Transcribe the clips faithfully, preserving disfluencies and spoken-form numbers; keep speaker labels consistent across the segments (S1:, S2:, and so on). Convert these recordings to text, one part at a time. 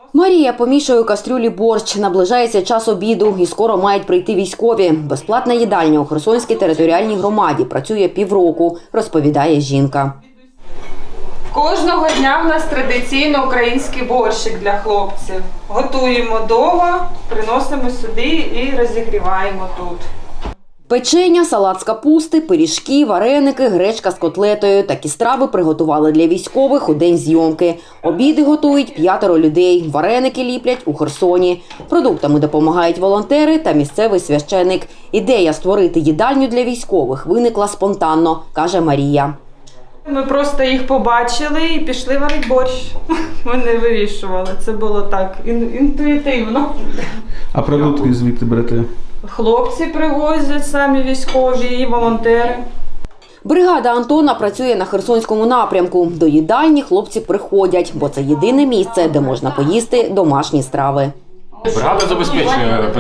S1: Марія помішує у кастрюлі борщ. Наближається час обіду і скоро мають прийти військові. Безплатна їдальня у Херсонській територіальній громаді працює півроку, розповідає жінка.
S2: Кожного дня в нас традиційно український борщик для хлопців. Готуємо вдома, приносимо сюди і розігріваємо тут.
S1: Печення, салат з капусти, пиріжки, вареники, гречка з котлетою. Такі страви приготували для військових у день зйомки. Обіди готують п'ятеро людей. Вареники ліплять у Херсоні. Продуктами допомагають волонтери та місцевий священик. Ідея створити їдальню для військових виникла спонтанно, каже Марія.
S2: Ми просто їх побачили і пішли варити борщ. Ми не вирішували, це було так інтуїтивно.
S3: А продукти звідти берете?
S2: Хлопці привозять, самі військові і волонтери.
S1: Бригада Антона працює на Херсонському напрямку. До їдальні хлопці приходять, бо це єдине місце, де можна поїсти домашні страви.
S4: Бригада забезпечує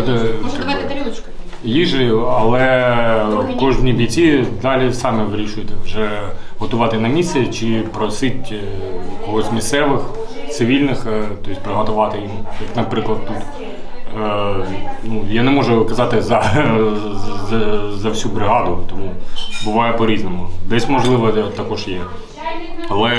S4: їжею, але кожні бійці далі самі вирішують вже готувати на місці чи просити когось місцевих, цивільних, тобто приготувати їм, як, наприклад, тут. Ну, я не можу казати за, за, за всю бригаду, тому буває по-різному. Десь, можливо, також є. Але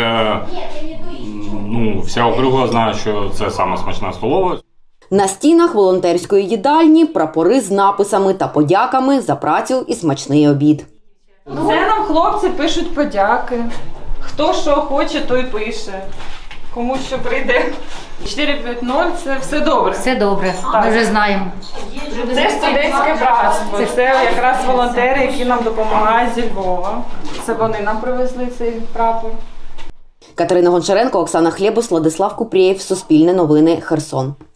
S4: ну, вся округа знає, що це саме смачна столова.
S1: На стінах волонтерської їдальні прапори з написами та подяками за працю і смачний обід.
S2: Це нам хлопці пишуть подяки. Хто що хоче, той пише. Кому що прийде. чотири п'ять нуль – це все добре.
S5: Все добре,
S2: Так.
S5: ми вже знаємо.
S2: Це студентське братство. Це якраз волонтери, які нам допомагають зі Львова. Це вони нам привезли цей прапор.
S1: Катерина Гончаренко, Оксана Хлєбус, Владислав Купрієв, Суспільне новини, Херсон.